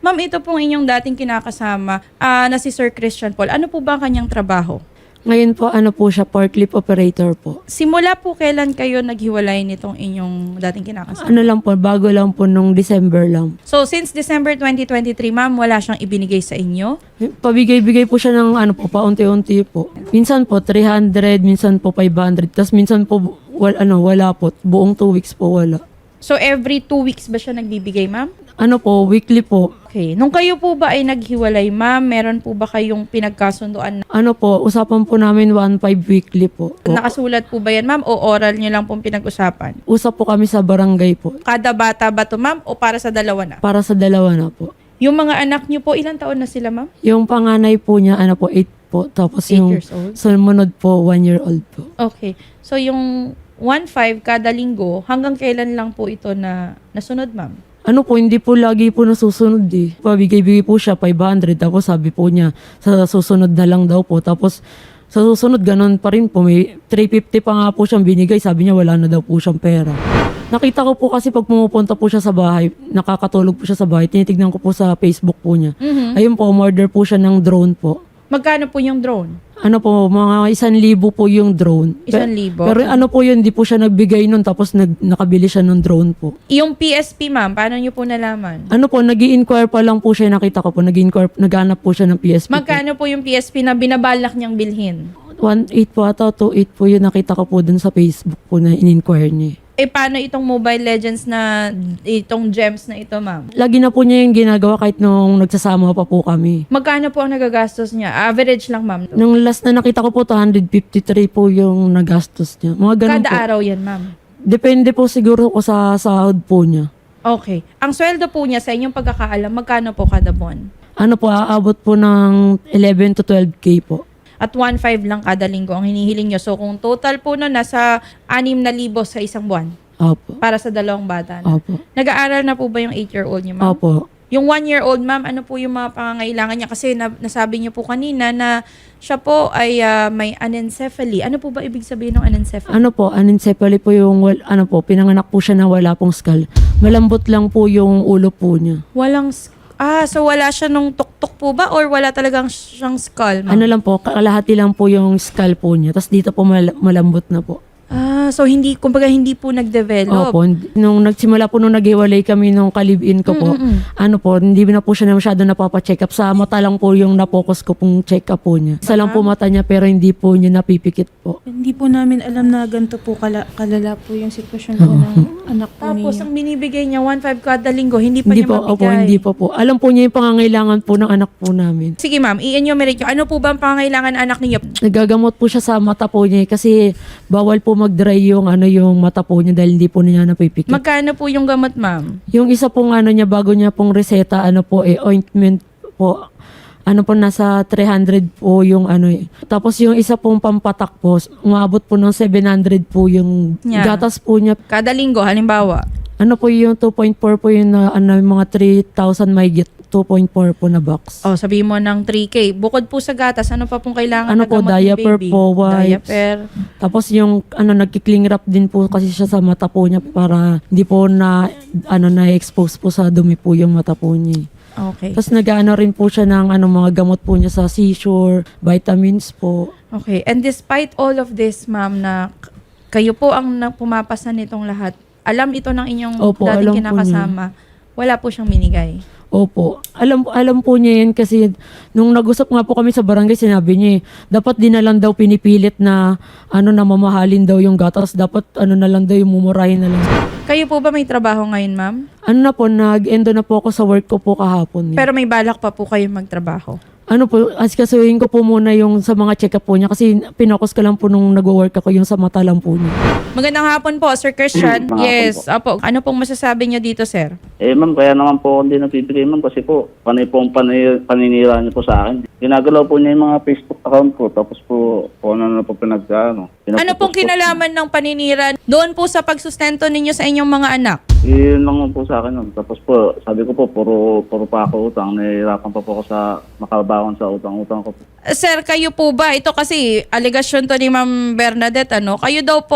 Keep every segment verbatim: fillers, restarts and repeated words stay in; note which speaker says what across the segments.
Speaker 1: Ma'am, ito pong inyong dating kinakasama ah, na si Sir Christian Paul. Ano po ba ang kanyang trabaho?
Speaker 2: Ngayon po, ano po siya, forklift operator po.
Speaker 1: Simula po kailan kayo naghiwalay nitong inyong dating kinakasama?
Speaker 2: Ano lang po, bago lang po nung December lang.
Speaker 1: So, since December twenty twenty-three, ma'am, wala siyang ibinigay sa inyo?
Speaker 2: Pabigay-bigay po siya ng ano po, paunti-unti po. Minsan po three hundred, minsan po five hundred, tapos minsan po wal, ano, wala po. Buong two weeks po wala.
Speaker 1: So, every two weeks ba siya nagbibigay, ma'am?
Speaker 2: Ano po, weekly po.
Speaker 1: Okay. Nung kayo po ba ay naghiwalay, ma'am, meron po ba kayong pinagkasunduan?
Speaker 2: Ano po, usapan po namin one five weekly po.
Speaker 1: Nakasulat po ba yan, ma'am, o oral nyo lang pong pinag-usapan?
Speaker 2: Usap po kami sa barangay po.
Speaker 1: Kada bata ba to, ma'am, o para sa dalawa na?
Speaker 2: Para sa dalawa na po.
Speaker 1: Yung mga anak nyo po, ilang taon na sila, ma'am?
Speaker 2: Yung panganay po niya, ano po, eight po. Tapos
Speaker 1: eight
Speaker 2: yung
Speaker 1: years old?
Speaker 2: sumunod po, one year old po.
Speaker 1: Okay. So, yung one five kada linggo, hanggang kailan lang po ito na nasunod, ma'am?
Speaker 2: Ano po, hindi po lagi po nasusunod eh. Pabigay-bigay po siya, five hundred. Tapos sabi po niya, sa susunod na lang daw po. Tapos sa susunod, ganun pa rin po. May three fifty pa nga po siyang binigay. Sabi niya, wala na daw po siyang pera. Nakita ko po kasi pag pumupunta po siya sa bahay, nakakatulog po siya sa bahay, tinitignan ko po sa Facebook po niya.
Speaker 1: Mhm.
Speaker 2: Ayun po, umorder po siya ng drone po.
Speaker 1: Magkano po yung drone?
Speaker 2: Ano po, mga isang libo po yung drone.
Speaker 1: Isang
Speaker 2: Pe-
Speaker 1: libo?
Speaker 2: Pero ano po yun, hindi po siya nagbigay nun, tapos nag, nakabili siya ng drone po.
Speaker 1: Yung P S P, ma'am, paano nyo po nalaman?
Speaker 2: Ano po, nag inquire pa lang po siya, nakita ko po, nag inquire naghanap po siya ng P S P. po.
Speaker 1: Magkano po yung P S P na binabalak niyang bilhin?
Speaker 2: one eight po ata, two eight po yun, nakita ko po dun sa Facebook po na in-inquire niya.
Speaker 1: Eh, paano itong Mobile Legends na, itong gems na ito, ma'am?
Speaker 2: Lagi na po niya yung ginagawa kahit nung nagsasama pa po kami.
Speaker 1: Magkano po ang nagagastos niya? Average lang, ma'am.
Speaker 2: Nung last na nakita ko po, two fifty-three po yung nagastos niya. Mga ganun
Speaker 1: Kada
Speaker 2: po.
Speaker 1: araw yan, ma'am.
Speaker 2: Depende po siguro ko sa sahod po niya.
Speaker 1: Okay. Ang sweldo po niya sa inyong pagkakaalam, magkano po kada buwan?
Speaker 2: Ano po, aabot po ng eleven to twelve K po.
Speaker 1: At one five lang kada linggo ang hinihiling nyo. So, kung total po no, nasa anim na libo sa isang buwan
Speaker 2: Opo.
Speaker 1: para sa dalawang bata na.
Speaker 2: Opo.
Speaker 1: Nag-aaral na po ba yung eight-year-old niyo, ma'am?
Speaker 2: Opo.
Speaker 1: Yung one-year-old, ma'am, ano po yung mga pangangailangan niya? Kasi na, nasabi niyo po kanina na siya po ay ah, may anencephaly. Ano po ba ibig sabihin ng anencephaly?
Speaker 2: Ano po, anencephaly po yung, wal- ano po, pinanganak po siya na wala pong skull. Malambot lang po yung ulo po niya.
Speaker 1: Walang... s- Ah, so wala siya nung tuktok po ba or wala talagang siyang skull, ma'am?
Speaker 2: Ano lang po, kalahati lang po yung skull po niya. Tapos dito po mal- malambot na po.
Speaker 1: Ah, so hindi, kumbaga hindi po nag-develop.
Speaker 2: Opo, hindi- nung nagsimula po nung naghiwalay kami nung kalibin ko po,
Speaker 1: Mm-mm.
Speaker 2: ano po, hindi na po siya na masyado napapacheck up. Sa mata lang po yung napokus ko pong check up po niya. Isa lang po mata niya pero hindi po niya napipikit po.
Speaker 3: Hindi po namin alam na ganito po kala, kalala po yung sitwasyon po ng anak po
Speaker 1: Tapos
Speaker 3: ninyo.
Speaker 1: ang binibigay niya one five kada linggo, hindi pa
Speaker 2: Hindi
Speaker 1: niya
Speaker 2: po,
Speaker 1: mabigay.
Speaker 2: opo, hindi po po. Alam po niya yung pangangailangan po ng anak po namin.
Speaker 1: Sige, ma'am, i-enumerate nyo. Ano po ba ang pangangailangan ng anak niyo?
Speaker 2: Nagagamot po siya sa mata po niya eh, kasi bawal po mag-dry yung ano yung mata po niya dahil hindi po niya napipikit.
Speaker 1: Magkano po yung gamot, ma'am?
Speaker 2: Yung isa pong ano niya bago niya pong reseta ano po eh ointment po ano po nasa three hundred po yung ano eh. Tapos yung isa pong pampatak po umabot po ng seven hundred po yung
Speaker 1: Yeah.
Speaker 2: gatas po niya.
Speaker 1: Kada linggo, halimbawa.
Speaker 2: Ano po yung two point four po yung na, ano, yung mga three thousand may get two point four po na box.
Speaker 1: Oh, sabi mo ng three K. Bukod po sa gatas, ano pa pong kailangan
Speaker 2: Ano
Speaker 1: na
Speaker 2: po,
Speaker 1: gamot ni
Speaker 2: diaper
Speaker 1: baby?
Speaker 2: po, wipes.
Speaker 1: Diaper.
Speaker 2: Tapos yung ano nagki-cling wrap din po kasi siya sa mata po niya para hindi po na ano na expose po sa dumi po yung mata po niya.
Speaker 1: Okay.
Speaker 2: Tapos nag-ano rin po siya ng ano, mga gamot po niya sa seizure, vitamins po.
Speaker 1: Okay. And despite all of this, ma'am, na k- kayo po ang na- pumapasa nitong lahat, alam ito ng inyong
Speaker 2: Opo, alam
Speaker 1: dating
Speaker 2: po
Speaker 1: kinakasama, wala po siyang minigay.
Speaker 2: Opo. Alam alam po niya yan kasi nung nag-usap nga po kami sa barangay, sinabi niya eh, dapat di na lang daw pinipilit na ano na mamahalin daw yung gatas. Dapat ano na lang daw yung mumurahin na lang.
Speaker 1: Kayo po ba may trabaho ngayon, ma'am?
Speaker 2: Ano na po, nag-endo na po ako sa work ko po kahapon. Eh.
Speaker 1: Pero may balak pa po kayo magtrabaho.
Speaker 2: ano po, asikasuhin ko po muna yung sa mga check-up po niya kasi pinokus ko lang po nung nag-work ako yung sa mata lang po niya.
Speaker 1: Magandang hapon po, Sir Christian.
Speaker 4: Magandang
Speaker 1: Yes, apo. Ano pong masasabi niyo dito, sir?
Speaker 4: Eh ma'am, kaya naman po hindi nabibigay ma'am kasi po, panay po ang panay, paninira niyo po sa akin. Ginagalaw po niya yung mga Facebook account ko, tapos po, po ano na po pinagkaano.
Speaker 1: Ano pong kinalaman ng paninira doon po sa pagsustento ninyo sa inyong mga anak?
Speaker 4: Yun lang po sa akin nun. Tapos po, sabi ko po, puro, puro pa ako utang. Nahihirapan pa po ako sa makabaon sa utang-utang ko po.
Speaker 1: Sir, kayo po ba? Ito kasi, aligasyon to ni Ma'am Bernadette, ano? Kayo daw po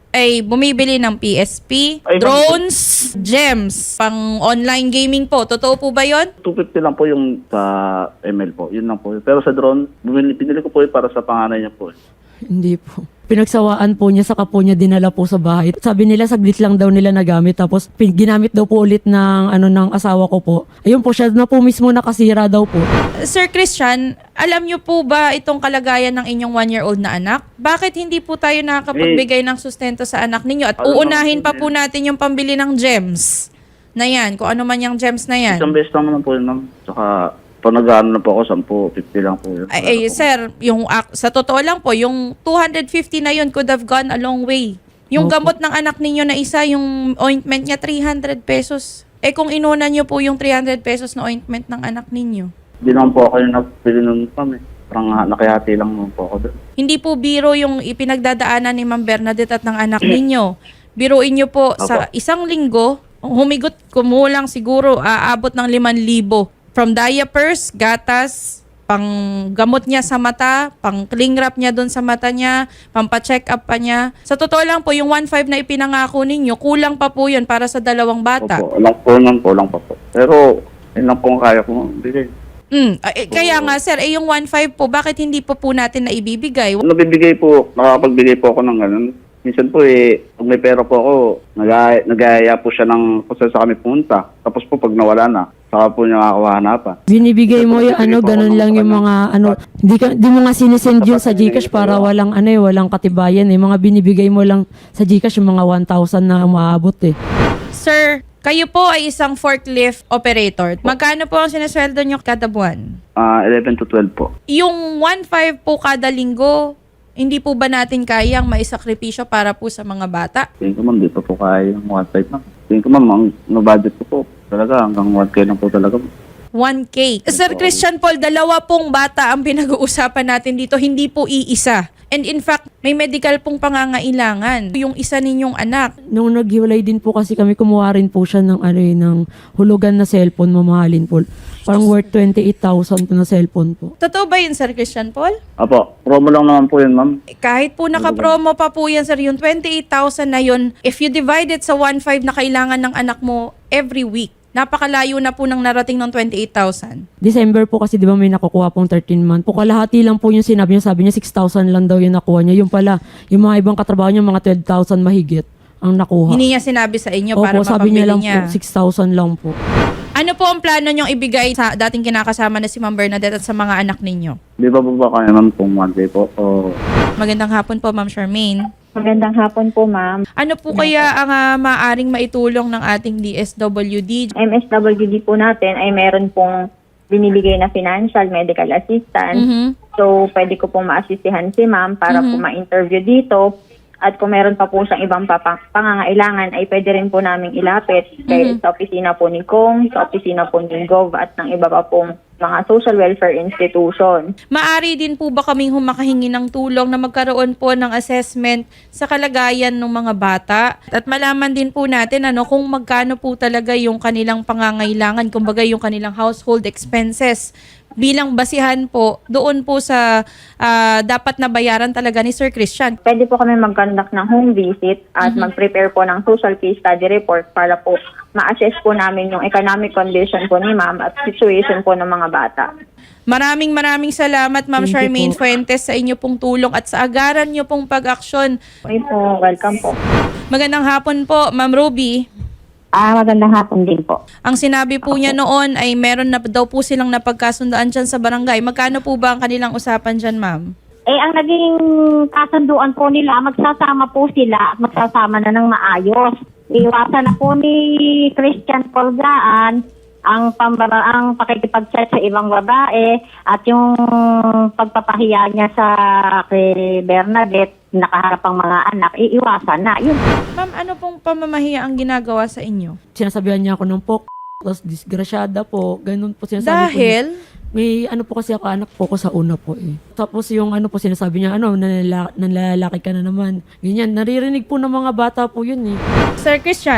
Speaker 1: ay bumibili ng P S P,
Speaker 4: Ay,
Speaker 1: drones, gems, pang online gaming po. Totoo po ba yon?
Speaker 4: two fifty lang po yung sa M L po. Yun lang po. Pero sa drone, bumili, pinili ko po yun para sa panganay niya po.
Speaker 2: Hindi po. Pinagsawaan po niya, saka po niya dinala po sa bahay. Sabi nila, saglit lang daw nila nagamit. Tapos, pin- ginamit daw po ulit ng, ano, ng asawa ko po. Ayun po, siya na po mismo nakasira daw po.
Speaker 1: Sir Christian, alam niyo po ba itong kalagayan ng inyong one-year-old na anak? Bakit hindi po tayo nakakapagbigay ng sustento sa anak ninyo? At
Speaker 4: Ano
Speaker 1: uunahin
Speaker 4: naman
Speaker 1: pa
Speaker 4: po
Speaker 1: po natin yung pambili ng gems na yan, kung ano man yung gems na yan.
Speaker 4: Isang beses lang naman po yun, ma'am. Saka, pag nag-ano na po ako, ten, fifty lang po yun.
Speaker 1: Ay, ay, sir, yung ak- sa totoo lang po, yung two hundred fifty na yun could have gone a long way. Yung
Speaker 2: Opo.
Speaker 1: gamot ng anak ninyo na isa, yung ointment niya, three hundred pesos. Eh kung inuna niyo po yung three hundred pesos na ointment ng anak ninyo.
Speaker 4: Hindi naman po ako yung napili nun, ma'am eh. Parang ah, nakihati lang naman po ako doon.
Speaker 1: Hindi po biro yung ipinagdadaanan ni Ma'am Bernadette at ng anak ninyo. Biruin niyo po sa isang linggo, humigot, kumulang siguro, aabot ng limang libo. From diapers, gatas, pang gamot niya sa mata, pang cling wrap niya doon sa mata niya, pampa-check up pa niya. Sa totoo lang po, yung one five na ipinangako ninyo, kulang pa po yun para sa dalawang bata.
Speaker 4: Opo, lang po lang po, lang pa po. Pero, yun lang po ang kaya ko bigay.
Speaker 1: Mm, eh, kaya nga sir, eh yung one five po, bakit hindi po po natin na ibibigay?
Speaker 4: Nabibigay po, nakakapagbigay po ako ng ganun. Minsan po eh, pag may pera po ako, nag- nag-aaya po siya ng kung saan sa kami punta. Tapos po pag nawala na, saka po niya nakakahanapan.
Speaker 2: Binibigay mo yung
Speaker 4: Binibigay
Speaker 2: ano,
Speaker 4: po ako
Speaker 2: ganun
Speaker 4: ng
Speaker 2: lang yung
Speaker 4: kanya.
Speaker 2: mga ano, di, ka, di mo nga sinisend yun sa Gcash para walang ano eh, walang katibayan eh. Mga binibigay mo lang sa Gcash yung mga one thousand na umaabot eh.
Speaker 1: Sir, kayo po ay isang forklift operator. Magkano po ang sinesweldo nyo kada buwan?
Speaker 4: Ah, eleven to twelve po.
Speaker 1: Yung one five po kada linggo, hindi po ba natin kayang maisakripisyo para po sa mga bata?
Speaker 4: Tingin ko ma'am, di pa po kaya yung one five ma'am. Tingin ko ma'am, ang no-budget ko po talaga hanggang one K lang po talaga.
Speaker 1: one K. Sir Christian Paul, dalawa pong bata ang pinag-uusapan natin dito, hindi po iisa. And in fact, may medical pong pangangailangan. Yung isa ninyong anak.
Speaker 2: Nung naghiwalay din po kasi kami, kumuha rin po siya ng, ano, eh, ng hulugan na cellphone, mamahalin po. Parang worth twenty-eight thousand po na cellphone po.
Speaker 1: Totoo ba yun, Sir Christian Paul?
Speaker 4: Apo, promo lang naman po yun ma'am.
Speaker 1: Eh, kahit po naka-promo pa po yan, sir, yung twenty-eight thousand na yun, if you divide it sa one five na kailangan ng anak mo every week, napakalayo na po nang narating ng twenty-eight thousand.
Speaker 2: December po kasi di ba may nakukuha pong thirteen month. Po kalahati lang po yung sinabi niya. Sabi niya six thousand lang daw yung nakuha niya. Yung pala, yung mga ibang katrabaho niya mga twelve thousand mahigit ang nakuha.
Speaker 1: Hindi niya sinabi sa inyo
Speaker 2: Opo,
Speaker 1: para
Speaker 2: sabi
Speaker 1: mapabili
Speaker 2: niya lang
Speaker 1: niya.
Speaker 2: po six thousand lang po.
Speaker 1: Ano po ang plano niyong ibigay sa dating kinakasama na si Ma'am Bernadette at sa mga anak ninyo?
Speaker 4: Di ba po ba kaya ma'am kung one day po? O
Speaker 1: Magandang hapon po, Ma'am Charmaine.
Speaker 5: Magandang hapon po, ma'am.
Speaker 1: Ano po kaya ang uh, maaring maitulong ng ating D S W D?
Speaker 5: M S W D po natin ay meron pong binibigay na financial medical assistance.
Speaker 1: Mhm.
Speaker 5: So, pwede ko pong maasistihan si ma'am para po ma-interview dito. At kung meron pa po siyang ibang papang- pangangailangan, ay pwede rin po namin ilapit kay, sa opisina po ni Kong, sa opisina po ni Gov, at ng iba pa pong mga social welfare institution.
Speaker 1: Maari din po ba kaming humakahingi ng tulong na magkaroon po ng assessment sa kalagayan ng mga bata? At malaman din po natin ano kung magkano po talaga yung kanilang pangangailangan, kumbaga yung kanilang household expenses. Bilang basihan po doon po sa ah, dapat na bayaran talaga ni Sir Christian.
Speaker 5: Pwede po kami mag-conduct ng home visit at mag-prepare po ng social case study report para po ma-assess po namin yung economic condition po ni ma'am at situation po ng mga bata.
Speaker 1: Maraming maraming salamat Ma'am
Speaker 2: Thank you
Speaker 1: Charmaine
Speaker 2: po.
Speaker 1: Fuentes sa inyo pong tulong at sa agaran nyo pong pag-aksyon.
Speaker 5: Okay po, welcome po.
Speaker 1: Magandang hapon po Ma'am Ruby.
Speaker 5: Ah, magandang hapon din po.
Speaker 1: Ang sinabi po niya noon ay meron na daw po silang napagkasundaan dyan sa barangay. Magkano po ba ang kanilang usapan dyan, ma'am?
Speaker 6: Eh, ang naging kasunduan po nila, magsasama po sila at magsasama na ng maayos. Iwasan na po ni Christian Polgaan ang pambara, ang pakikipag-chat sa ibang babae at yung pagpapahiya niya sa kay Bernadette, nakaharap ang mga anak, iiwasan na. Yun.
Speaker 1: Ma'am, ano pong pamamahiya ang ginagawa sa inyo?
Speaker 2: Sinasabihan niya ako ng po, tapos disgrasyada po, ganun po sinasabi ko.
Speaker 1: Dahil,
Speaker 2: May ano po kasi ako, anak po ko sa una po eh. Tapos yung ano po sinasabi niya, ano, nanlala- nanlalaki ka na naman. Ganyan, naririnig po ng mga bata po yun eh.
Speaker 1: Sir Christian,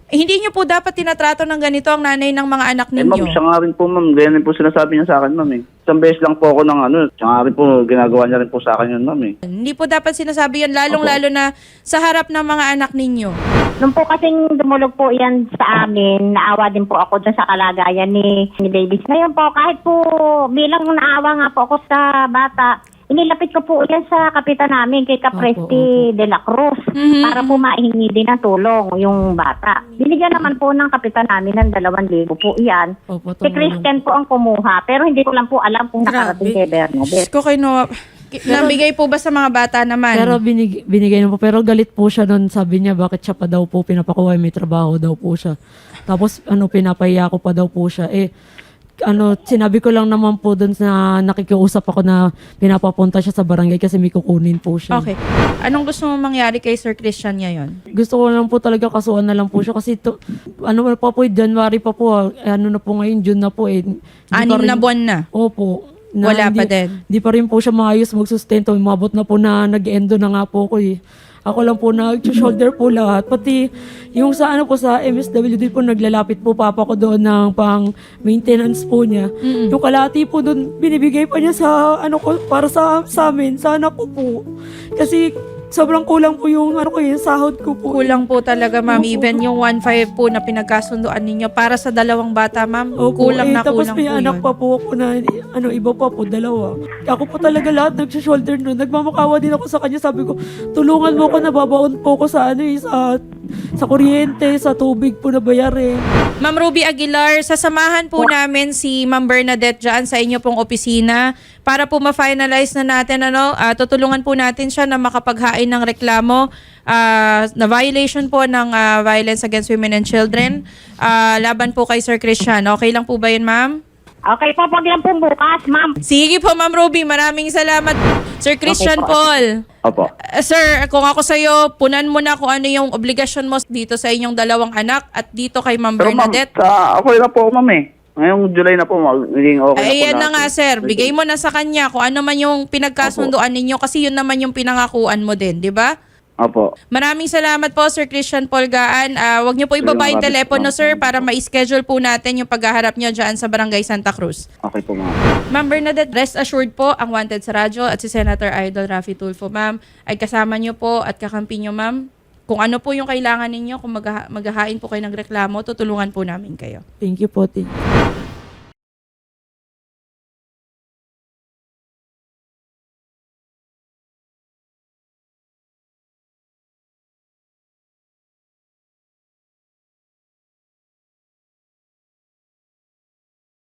Speaker 1: Eh, hindi nyo po dapat tinatrato ng ganito ang nanay ng mga anak
Speaker 4: Eh ma'am,
Speaker 1: ninyo.
Speaker 4: siya nga rin po ma'am. Ganyan po sinasabi niya sa akin ma'am eh. Isang beses lang po ako ng ano. Siya nga rin po, ginagawa niya rin po sa akin yun ma'am eh.
Speaker 1: Hindi po dapat sinasabi yan, lalong-lalo na sa harap ng mga anak ninyo.
Speaker 6: Nung po kasing dumulog po yan sa amin, naawa din po ako dun sa kalagayan ni, ni Davis. Ngayon po, kahit po bilang naawa nga po ako sa bata, inilapit ko po yan sa kapitan namin kay Capresti de la Cruz
Speaker 1: Mhm.
Speaker 6: para po maihingi din ng tulong yung bata. Binigyan naman po ng kapitan namin ng dalawang libo po yan.
Speaker 2: Opo,
Speaker 6: Si
Speaker 2: tumulong.
Speaker 6: Christian po ang kumuha, pero hindi ko lang po alam kung nakarating kay Bernadette.
Speaker 1: Diyos ko kay Noah. Nabigay po ba sa mga bata naman?
Speaker 2: Pero binig, binigay na po. Pero galit po siya doon. Sabi niya, bakit siya pa daw po pinapakuha? May trabaho daw po siya. Tapos, ano, pinapahiya ko pa daw po siya. Eh, ano, sinabi ko lang naman po doon na nakikiusap ako na pinapapunta siya sa barangay kasi may kukunin po siya.
Speaker 1: Okay. Anong gusto mo mangyari kay Sir Christian ngayon?
Speaker 2: Gusto ko lang po talaga kasuhan na lang po siya kasi to, ano pa po, January pa po, ah. eh, ano na po ngayon, June na po eh. Hindi pa
Speaker 1: Anim
Speaker 2: rin-
Speaker 1: na buwan na.
Speaker 2: Opo.
Speaker 1: Wala
Speaker 2: hindi,
Speaker 1: pa din.
Speaker 2: Hindi pa rin po siya maayos magsustento. Umabot na po na nag-endo na nga po ko eh. Ako lang po nag-shoulder po lahat. Pati yung sa ano po sa M S W D po naglalapit po papa ko doon ng pang maintenance po niya. Yung kalahati po doon binibigay pa niya sa ano ko para sa sa amin, sa anak ko po. Kasi sobrang kulang po yung ano ko yung sahod ko po.
Speaker 1: Kulang po talaga, ma'am. Even yung one point five po na pinagkasunduan ninyo para sa dalawang bata, ma'am.
Speaker 2: Opo,
Speaker 1: Kulang
Speaker 2: eh,
Speaker 1: na
Speaker 2: tapos
Speaker 1: kulang
Speaker 2: may
Speaker 1: po
Speaker 2: anak
Speaker 1: yun.
Speaker 2: pa po ako na, ano, iba pa po, dalawa. Ako po talaga lahat nag-shoulder nun. Nagmamakawa din ako sa kanya. Sabi ko, tulungan mo ko, nababaon po ko sa, ano, eh, sa, sa kuryente, sa tubig po na bayarin.
Speaker 1: Ma'am Ruby Aguilar, sasamahan po namin si Ma'am Bernadette dyan sa inyo pong opisina para po ma-finalize na natin, ano, ah, tutulungan po natin siya na makapaghain ng reklamo ah, na violation po ng ah, Violence Against Women and Children ah, laban po kay Sir Christian. Okay lang po ba yun, ma'am?
Speaker 6: Okay po, pag lang po bukas, ma'am.
Speaker 1: Sige po, Ma'am Ruby. Maraming salamat. Sir Christian
Speaker 6: Okay po.
Speaker 1: Paul.
Speaker 4: Opo.
Speaker 1: Uh, sir, kung ako sa'yo, punan mo na kung ano yung obligasyon mo dito sa inyong dalawang anak at dito kay Ma'am
Speaker 4: Pero ma'am,
Speaker 1: Bernadette.
Speaker 4: sa, ako na po ma'am eh. Ngayong July na po, magiging okay na po
Speaker 1: Ayan na
Speaker 4: natin.
Speaker 1: nga, sir. Bigay mo na sa kanya kung ano man yung pinagkasunduan ninyo kasi yun naman yung pinangakuan mo din, di ba?
Speaker 4: Opo.
Speaker 1: Maraming salamat po, Sir Christian Paul Gaan. Ah, wag niyo po ibaba yung
Speaker 4: Maraming
Speaker 1: telepono,
Speaker 4: salamat.
Speaker 1: sir, para ma-schedule po natin yung paghaharap niyo dyan sa Barangay Santa Cruz.
Speaker 4: Okay po ma'am.
Speaker 1: Ma'am Bernadette, rest assured po, ang Wanted sa radyo at si Senator Idol Raffy Tulfo, ma'am, ay kasama niyo po at kakampi niyo, ma'am. Kung ano po yung kailangan ninyo, kung magha- maghahain po kayo ng reklamo, tutulungan po namin kayo.
Speaker 2: Thank you po, thank you.